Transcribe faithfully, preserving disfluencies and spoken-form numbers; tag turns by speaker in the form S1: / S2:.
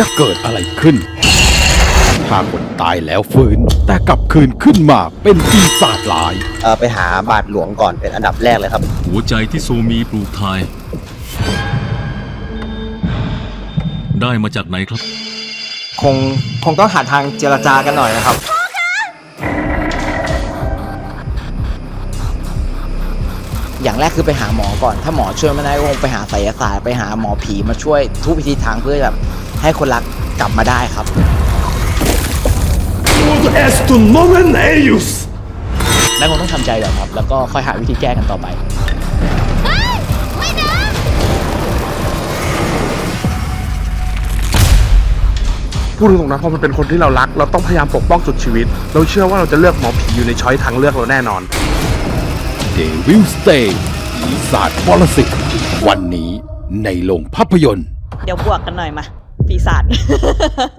S1: จะเกิดอะไรขึ้นถ้าคนตายแล้วฟื้นแต่กลับคืนขึ้นมาเป็นปีศาจร้าย
S2: เออไปหาบาทหลวงก่อนเป็นอันดับแรกเลยครับ
S3: หัวใจที่โซมีปลูกทาย ได้มาจากไหนครับ
S4: คงคงต้องหาทางเจรจากันหน่อยนะครับอย่างแรกคือไปหาหมอก่อนถ้าหมอช่วยไม่ได้ก็คงไปหาไสยศาสตร์ไปหาหมอผีมาช่วยทุกวิธีทางเพื่อแบบให้คนรักกลับมาได้ครับ แล้วคงต้องทำใจก่อนครับแล้วก็ค่อยหาวิธีแก้กันต่อไป
S5: พูดตรงๆนะเพราะมันเป็นคนที่เรารักเราต้องพยายามปกป้องสุดชีวิตเราเชื่อว่าเราจะเลือกหมอผีอยู่ในช้อยทางเลือกเราแน่นอน
S1: Devil Stay ปีศาจปรสิตวันนี้ในโรงภาพยนตร์
S6: เดี๋ยวบวกกันหน่อยมาปีศาจ